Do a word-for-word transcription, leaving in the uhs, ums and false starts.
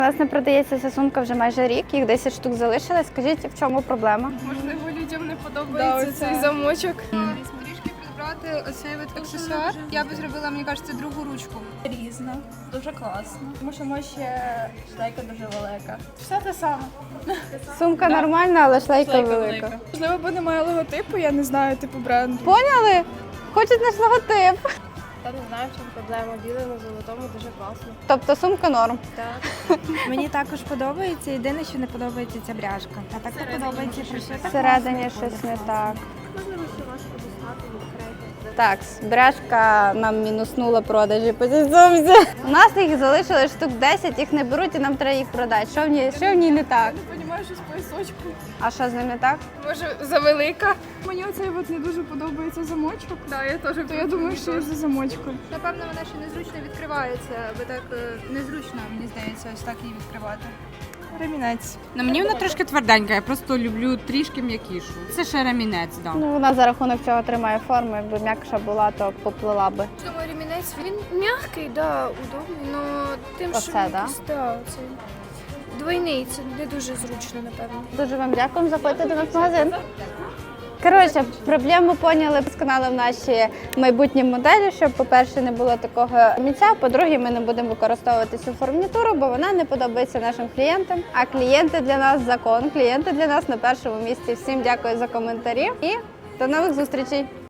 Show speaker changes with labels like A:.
A: У нас не продається ця сумка вже майже рік, їх десять штук залишилось. Скажіть, в чому проблема?
B: Можливо, людям не подобається
C: Да,
B: цей замочок.
C: Трішки підбрати оцей от аксесуар. Я би зробила, мені кажеться, другу ручку.
B: Різно, дуже класно. Тому що може ще шлейка дуже велика. Все те саме.
A: Сумка нормальна, але шлейка велика.
B: Можливо, бо немає логотипу, я не знаю, типу бренду.
A: Поняли? Хочуть наш логотип.
D: Та не знаю, в чому проблема. Біле на золотому дуже класно.
A: Тобто сумка норм.
D: Так.
E: Мені також подобається. Єдине, що не подобається, ця бряжка. А так то подобається пришита.
A: Всередині щось не так.
D: Можливо, ще важко достати, відкрити.
A: Так, бряшка нам мінуснула продажі по цій сумці. У нас їх залишилось штук десять, їх не беруть і нам треба їх продати. Що в ній, що в ній не так?
B: Не розумію, що з поясочку.
A: А що з ним не так?
B: Може, завелика. Мені оцей от не дуже подобається замочок. Так, я теж. То я думаю, що я за замочком.
C: Напевно, вона ще незручно відкривається, бо так е, незручно, мені здається, ось так її відкривати.
B: Ремінець.
F: Ну, мені вона трошки тверденька, я просто люблю трішки м'якішу. Це ще ремінець, да.
A: Ну, вона за рахунок цього тримає форму. Якби м'якша була, то поплила би.
D: Думаю, ремінець, він м'який, да, удобний, але тим,
A: Оце,
D: що
A: да?
D: якийсь, да, оцей двойний, це не дуже зручно, напевно.
A: Дуже вам дякуємо, заходьте до нас в магазин. Коротше, проблему поняли з каналом наші майбутні моделі, щоб, по-перше, не було такого місця, по-друге, ми не будемо використовувати цю фурнітуру, бо вона не подобається нашим клієнтам. А клієнти для нас закон, клієнти для нас на першому місці. Всім дякую за коментарі і до нових зустрічей!